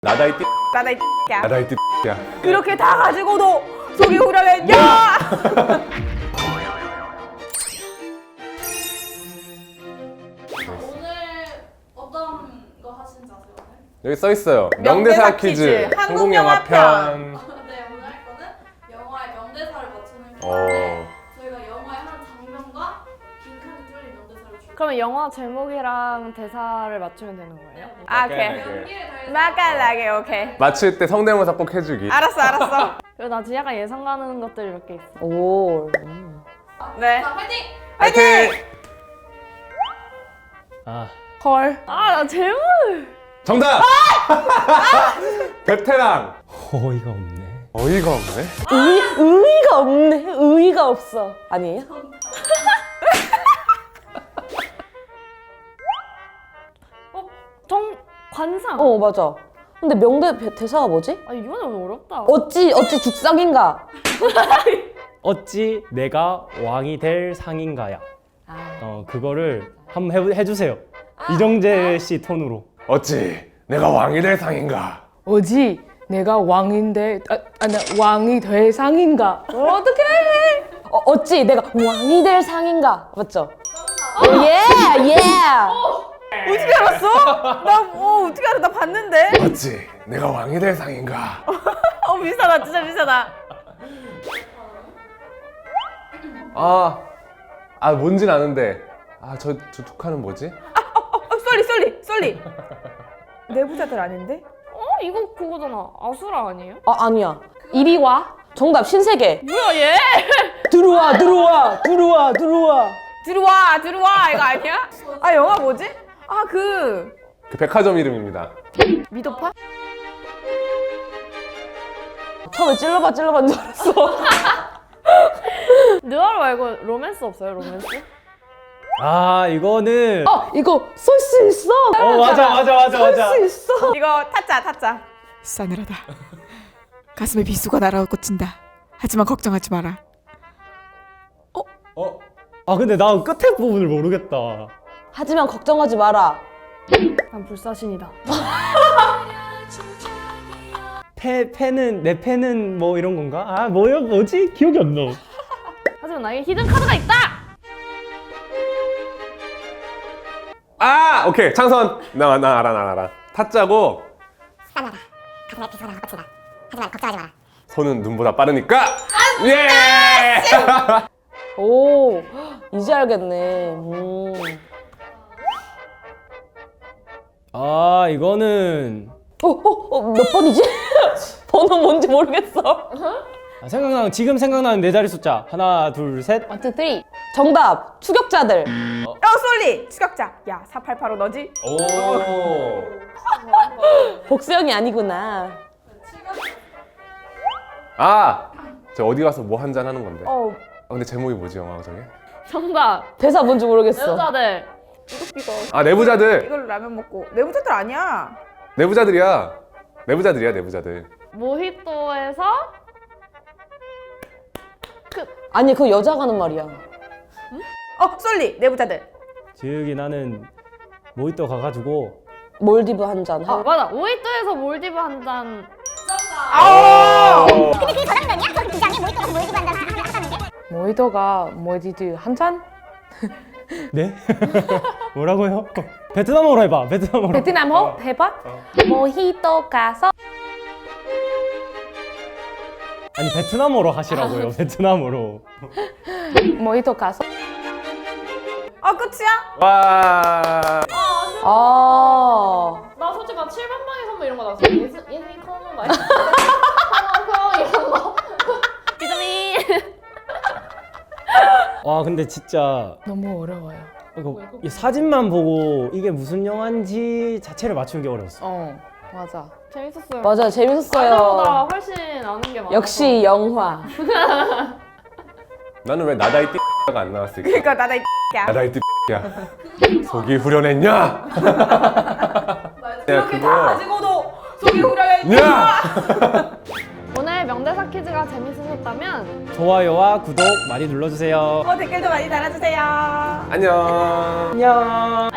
나다 이 나다 이 X야. 나다 이 야. 그렇게 다 가지고도 속이 후련했냐? 오늘 어떤 거 하신지 아세요? 오늘? 여기 써 있어요. 명대사 명대사 퀴즈, 퀴즈, 한국 한국 영화 영화 편. 네, 오늘 할 거는 영화의 명대사를 맞추는 어. 건데 저희가 영화의 한 장면과 빈칸이 뚫린 명대사를 줄 그러면 영화 제목이랑 대사를 맞추면 되는 거예요? 아, 오케이. 오케이. 연기에 대해서 맛깔나게 오케이. 맞힐 때 성대모사 꼭 해주기. 알았어. 그리고 나 지금 약간 예상 가는 것들이 몇 개 있어. 오. 네. 자, 화이팅! 화이팅! 아, 헐. 아, 나 제목! 정답! 베테랑. 어이가 없네. 어이가 없네. 의의가 없네. 의의가 없어. 아니에요? 관상! 어, 맞아. 근데 대사가 뭐지? 아, 이거는 어렵다. 어찌 죽상인가? 어찌 내가 왕이 될 상인가야. 아. 그거를 한번 해주세요. 이정재 씨 톤으로. 어찌 내가 왕이 될 상인가? 어지 내가 왕인데 나 왕이 될 상인가? 어떡해? 어찌 내가 왕이 될 상인가? 맞죠? 예! 어떻게 알았어? 나 어떻게 알아? 나 봤는데. 어찌 내가 왕이 될 상인가? 비싸다. 진짜 비싸다. 뭔진 아는데. 저 툭하는 뭐지? 쏠리. 내부자들 아닌데? 이거 그거잖아. 아수라 아니에요? 아니야. 이리 와. 정답 신세계. 뭐야, 얘? 들어와. 들어와 이거 아니야? 영화 뭐지? 그 백화점 이름입니다. 미도파? 처음에 찔러봐 줄 알았어. 느와르 말고 로맨스 없어요, 로맨스? 이거는. 이거 쏠 수 있어. 맞아. 쏠 수 있어. 이거 타짜. 싸늘하다. 가슴에 비수가 날아꽂힌다. 하지만 걱정하지 마라. 근데 나 끝에 부분을 모르겠다. 하지만 걱정하지 마라. 난 불사신이다. 내 패는 뭐 이런 건가? 뭐지? 기억이 안 나. 하지만 나에게 히든 카드가 있다! 오케이. 창선. 나 알아. 타짜고 싸늘하다. 가슴에 비수가 날아꽂힌다. 하지만 걱정하지 마라. 손은 눈보다 빠르니까. 예! 오, 이제 알겠네. 이거는. 몇 번이지? 번호 뭔지 모르겠어. 지금 생각나는 네 자리 숫자. 하나, 둘, 셋. 1, 2, 3. 정답, 추격자들. 쏠리. 추격자. 야, 4885 너지? 오. 복수형이 아니구나. 저 어디 가서 뭐 한 잔 하는 건데. 어. 근데 제목이 뭐지, 영화 저게? 정답! 대사 뭔지 모르겠어. 여자들! 이거. 내부자들. 이걸로 라면 먹고. 내부자들 아니야. 내부자들이야. 내부자들. 모히또에서 아니, 그거 여자가 하는 말이야. 쏠리. 내부자들. 저기 나는 모히또 가가지고. 몰디브 한 잔. 맞아. 모히또에서 몰디브 한 잔. 근데 그게 저장면이야? 저 비장에 모히또가 몰디브 한잔 하다는 게? 모히또가 몰디브 한 잔? 네? 뭐라고요? 베트남어로 해봐. 베트남어로. 베트남어? 해봐. 모히또 가서. 아니 베트남어로 하시라고요. 베트남어로. 모히또 가서. 끝이야? 와. 나 솔직히 막 7번 방의 선물 이런 거 나왔어. 예승이 커먼 막 이런 거. 비타민! 근데 진짜 너무 어려워요. 이 사진만 보고 이게 무슨 영화인지 자체를 맞추는 게 어려웠어. 맞아. 재밌었어요. 맞아, 재밌었어요. 알다보다 훨씬 아는 게 많아. 역시 영화. 나는 왜 나다 이 가 안 나왔을까? 그러니까 나다 이 X야. 나다 이 야. 속이 후련했냐? 야, 그렇게 다 가지고도 속이 후련했냐? 야! 오늘 명대사 퀴즈가 재밌으셨다면 좋아요와 구독 많이 눌러주세요. 댓글도 많이 달아주세요. 안녕. 안녕.